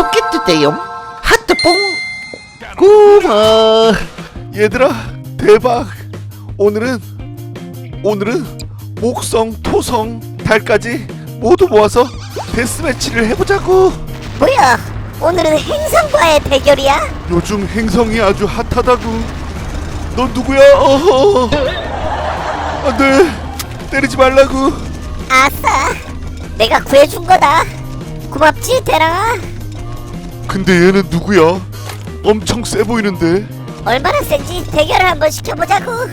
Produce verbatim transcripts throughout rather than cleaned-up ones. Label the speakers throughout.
Speaker 1: 구독해주세요. 하트뽕. 고마.
Speaker 2: 얘들아 대박. 오늘은 오늘은 목성, 토성, 달까지 모두 모아서 데스매치를 해보자고.
Speaker 3: 뭐야? 오늘은 행성과의 대결이야?
Speaker 2: 요즘 행성이 아주 핫하다고. 넌 누구야? 어허. 안돼, 때리지 말라고.
Speaker 3: 아싸, 내가 구해준 거다. 고맙지, 대랑아.
Speaker 2: 근데 얘는 누구야? 엄청 세 보이는데.
Speaker 3: 얼마나 센지 대결을 한번 시켜보자고.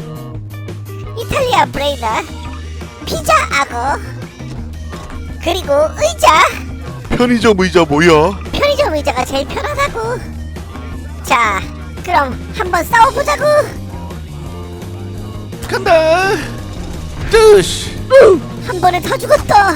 Speaker 3: 이탈리아 브레이나, 피자 악어, 그리고 의자.
Speaker 2: 편의점 의자 뭐야?
Speaker 3: 편의점 의자가 제일 편하다고. 자, 그럼 한번 싸워보자고.
Speaker 2: 간다.
Speaker 1: 뜨시.
Speaker 3: 한 번에 다 죽었다.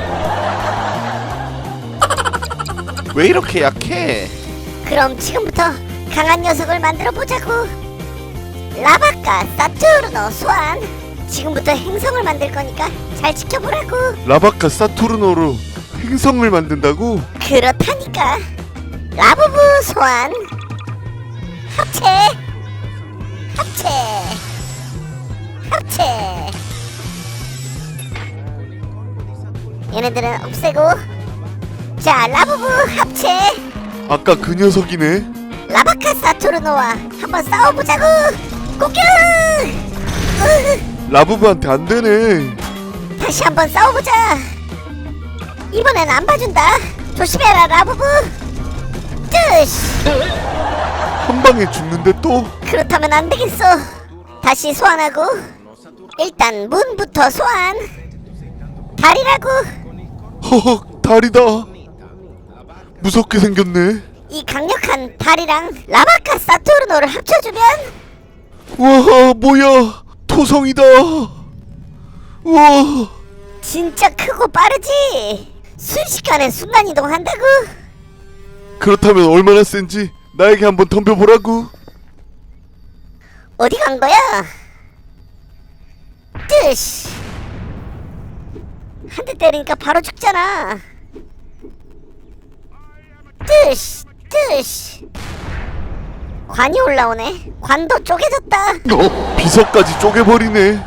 Speaker 2: 왜 이렇게 약해?
Speaker 3: 그럼 지금부터 강한 녀석을 만들어 보자고. 라바카 사투르노 소환. 지금부터 행성을 만들 거니까 잘 지켜보라고.
Speaker 2: 라바카 사투르노로 행성을 만든다고?
Speaker 3: 그렇다니까. 라부부 소환. 합체. 합체. 합체. 얘네들은 없애고. 자, 라부부 합체.
Speaker 2: 아까 그 녀석이네.
Speaker 3: 라바카 사투르노와 한번 싸워보자고. 공격. 으,
Speaker 2: 라부부한테 안 되네.
Speaker 3: 다시 한번 싸워보자. 이번엔 안 봐준다. 조심해라, 라부부. 뜨시.
Speaker 2: 한 방에 죽는데 또?
Speaker 3: 그렇다면 안 되겠어. 다시 소환하고. 일단 문부터 소환. 달이라고.
Speaker 2: 허헉, 달이다. 무섭게 생겼네.
Speaker 3: 이 강력한 달이랑 라바카 사투르노를 합쳐주면.
Speaker 2: 우와, 뭐야? 토성이다. 우와.
Speaker 3: 진짜 크고 빠르지. 순식간에 순간이동한다고.
Speaker 2: 그렇다면 얼마나 센지 나에게 한번 덤벼보라고.
Speaker 3: 어디 간 거야? 뜨시. 한 대 때리니까 바로 죽잖아. 뜨시 뜨시. 관이 올라오네. 관도 쪼개졌다.
Speaker 2: 어? 비석까지 쪼개버리네.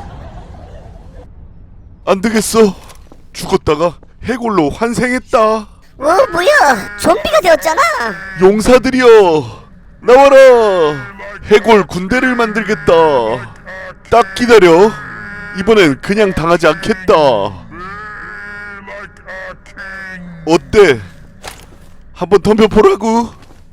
Speaker 2: 안 되겠어. 죽었다가 해골로 환생했다.
Speaker 3: 어 뭐야? 좀비가 되었잖아.
Speaker 2: 용사들이여, 나와라. 해골 군대를 만들겠다. 딱 기다려. 이번엔 그냥 당하지 않겠다. 어때? 한번 덤벼보라고.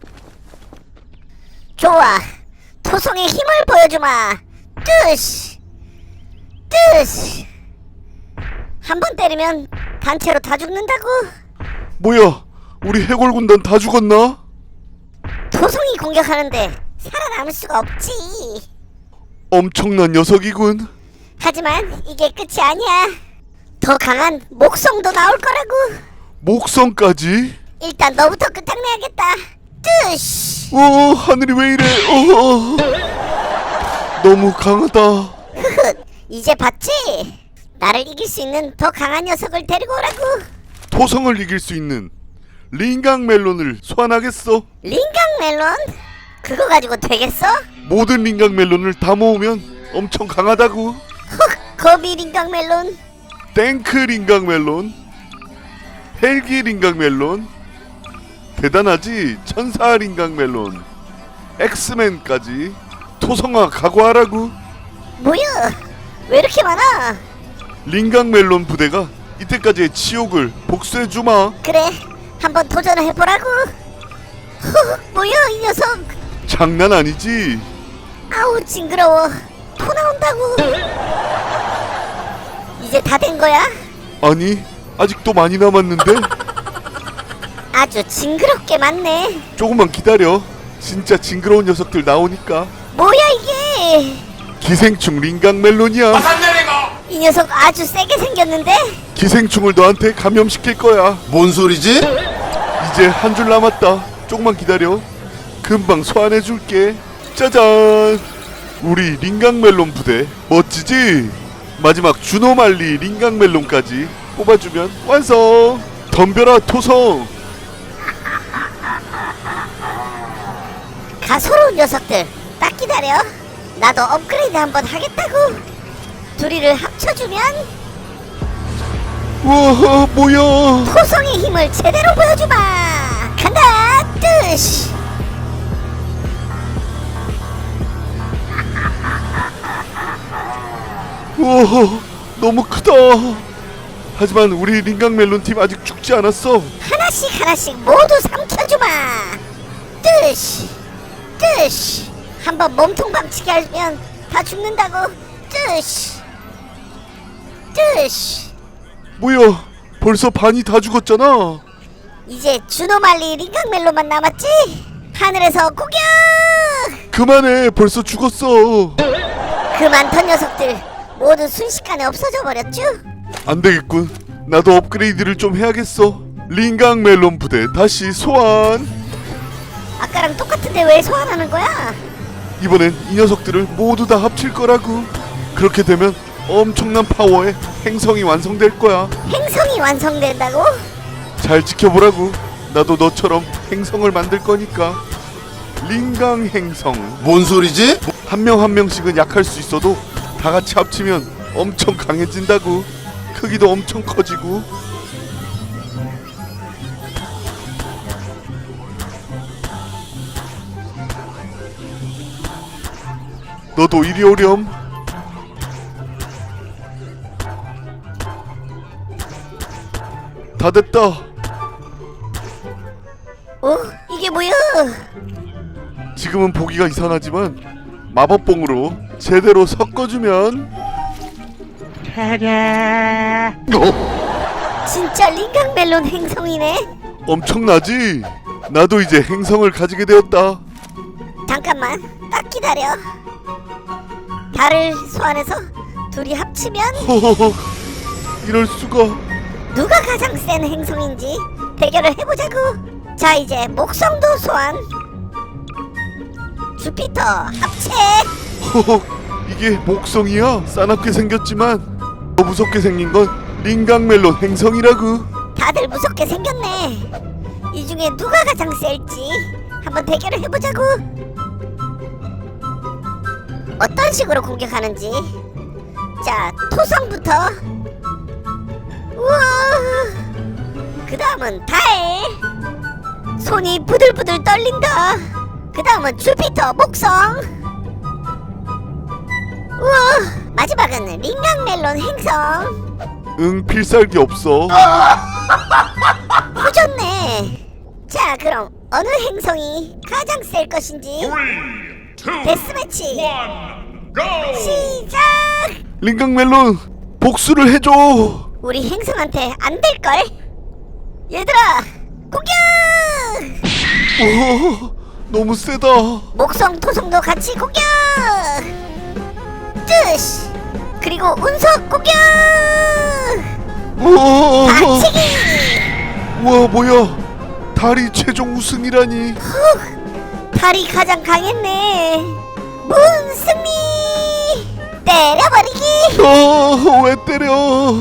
Speaker 3: 좋아. 토성의 힘을 보여주마. 뜨시 뜨시. 한 번 때리면 단체로 다 죽는다고.
Speaker 2: 뭐야, 우리 해골 군단 다 죽었나?
Speaker 3: 토성이 공격하는데 살아남을 수가 없지.
Speaker 2: 엄청난 녀석이군.
Speaker 3: 하지만 이게 끝이 아니야. 더 강한 목성도 나올 거라고.
Speaker 2: 목성까지?
Speaker 3: 일단 너부터 끝장내야겠다. 뜨시.
Speaker 2: 오, 하늘이 왜 이래? 어, 너무 강하다.
Speaker 3: 흐흐. 이제 봤지? 나를 이길 수 있는 더 강한 녀석을 데리고 오라고.
Speaker 2: 토성을 이길 수 있는 링강 멜론을 소환하겠어.
Speaker 3: 링강 멜론? 그거 가지고 되겠어?
Speaker 2: 모든 링강 멜론을 다 모으면 엄청 강하다고.
Speaker 3: 헉, 거미 링강 멜론.
Speaker 2: 탱크 링강 멜론, 헬기 링강 멜론, 대단하지? 천사 링강 멜론, 엑스맨까지. 토성아, 각오하라고.
Speaker 3: 뭐야? 왜 이렇게 많아?
Speaker 2: 링강 멜론 부대가 이때까지의 치욕을 복수해주마.
Speaker 3: 그래, 한번 도전을 해보라고. 헉, 뭐야 이 녀석.
Speaker 2: 장난 아니지?
Speaker 3: 아우 징그러워. 토 나온다고. 이제 다 된 거야?
Speaker 2: 아니, 아직도 많이 남았는데?
Speaker 3: 아주 징그럽게 많네.
Speaker 2: 조금만 기다려. 진짜 징그러운 녀석들 나오니까.
Speaker 3: 뭐야 이게?
Speaker 2: 기생충 링강 멜론이야.
Speaker 3: 이 녀석 아주 세게 생겼는데?
Speaker 2: 기생충을 너한테 감염시킬 거야.
Speaker 4: 뭔 소리지?
Speaker 2: 이제 한 줄 남았다. 조금만 기다려. 금방 소환해줄게. 짜잔! 우리 링강 멜론 부대 멋지지? 마지막 주노말리 링강 멜론까지 뽑아주면 완성! 덤벼라 토성!
Speaker 3: 가소로운 녀석들 딱 기다려. 나도 업그레이드 한번 하겠다고. 둘이를 합쳐주면
Speaker 2: 우와 뭐야.
Speaker 3: 토성의 힘을 제대로 보여주마. 간다 뜨시.
Speaker 2: 우와 너무 크다. 하지만 우리 링강 멜론 팀 아직 죽지 않았어.
Speaker 3: 하나씩 하나씩 모두 삼켜주마. 뜨시 뜨시. 한번 몸통 박치기 하면 다 죽는다고. 뜨시 뜨시.
Speaker 2: 뭐야 벌써 반이 다 죽었잖아.
Speaker 3: 이제 주노말리 링강멜로만 남았지? 하늘에서 공격!
Speaker 2: 그만해 벌써 죽었어.
Speaker 3: 그 많던 녀석들 모두 순식간에 없어져 버렸죠?
Speaker 2: 안되겠군. 나도 업그레이드를 좀 해야겠어. 링강 멜론 부대 다시 소환.
Speaker 3: 아까랑 똑같은데 왜 소환하는 거야?
Speaker 2: 이번엔 이 녀석들을 모두 다 합칠 거라고. 그렇게 되면 엄청난 파워의 행성이 완성될 거야.
Speaker 3: 행성이 완성된다고?
Speaker 2: 잘 지켜보라고. 나도 너처럼 행성을 만들 거니까. 링강 행성.
Speaker 4: 뭔 소리지?
Speaker 2: 한 명 한 명씩은 약할 수 있어도 다 같이 합치면 엄청 강해진다고. 크기도 엄청 커지고. 너도 이리 오렴. 다 됐다.
Speaker 3: 어? 이게 뭐야?
Speaker 2: 지금은 보기가 이상하지만 마법봉으로 제대로 섞어주면
Speaker 3: 진짜 링강멜론 행성이네?
Speaker 2: 엄청나지? 나도 이제 행성을 가지게 되었다.
Speaker 3: 잠깐만 딱 기다려. 달을 소환해서 둘이 합치면
Speaker 2: 허허허 이럴 수가.
Speaker 3: 누가 가장 센 행성인지 대결을 해보자고. 자 이제 목성도 소환. 주피터 합체.
Speaker 2: 허허 이게 목성이야? 싸납게 생겼지만 더 무섭게 생긴 건 링강 멜론 행성이라고.
Speaker 3: 다들 무섭게 생겼네. 이 중에 누가 가장 셀지 한번 대결을 해보자고. 어떤 식으로 공격하는지. 자 토성부터. 우와. 그 다음은 달. 손이 부들부들 떨린다. 그 다음은 주피터 목성. 우와. 마지막은 링강멜론 행성.
Speaker 2: 응 필살기 없어.
Speaker 3: 후졌네. 자 그럼 어느 행성이 가장 셀 것인지 데스매치 시작.
Speaker 2: 링강 멜론 복수를 해줘.
Speaker 3: 우리 행성한테 안 될걸. 얘들아 공격.
Speaker 2: 오 너무 세다.
Speaker 3: 목성 토성도 같이 공격. 뜨시. 그리고 운석 공격.
Speaker 2: 우와
Speaker 3: 박치기.
Speaker 2: 우와 뭐야 달이 최종 우승이라니.
Speaker 3: 후, 달이 가장 강했네. 문 승리. 때려버리기.
Speaker 2: 어왜 때려.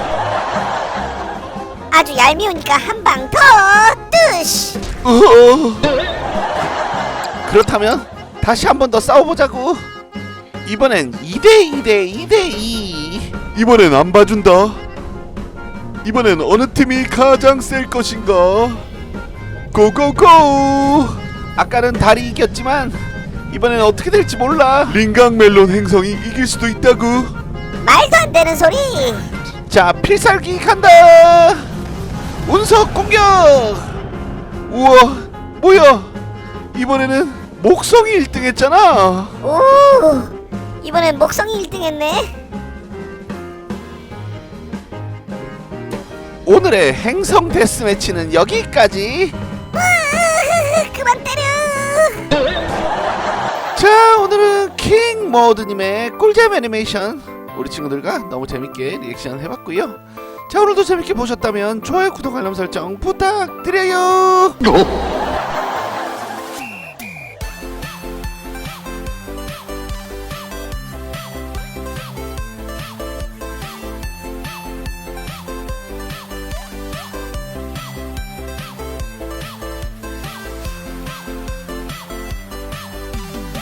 Speaker 3: 아주 얄미우니까 한 방 더. 뜨시.
Speaker 2: 어.
Speaker 1: 그렇다면 다시 한 번 더 싸워보자고. 이번엔 이 대 이 대 이 대 이.
Speaker 2: 이번엔 안 봐준다. 이번엔 어느 팀이 가장 셀 것인가. 고고고.
Speaker 1: 아까는 달이 이겼지만 이번엔 어떻게 될지 몰라.
Speaker 2: 링강 멜론 행성이 이길 수도 있다고.
Speaker 3: 말도 안 되는 소리.
Speaker 1: 자 필살기 간다. 운석 공격.
Speaker 2: 우와 뭐야 이번에는 목성이 일 등 했잖아.
Speaker 3: 오. 이번엔 목성이 일 등 했네.
Speaker 1: 오늘의 행성 데스매치는 여기까지.
Speaker 3: 으아, 그만 때려.
Speaker 1: 자 오늘은 킹 모드님의 꿀잼 애니메이션 우리 친구들과 너무 재밌게 리액션 해봤고요. 자 오늘도 재밌게 보셨다면 좋아요 구독 알람 설정 부탁드려요.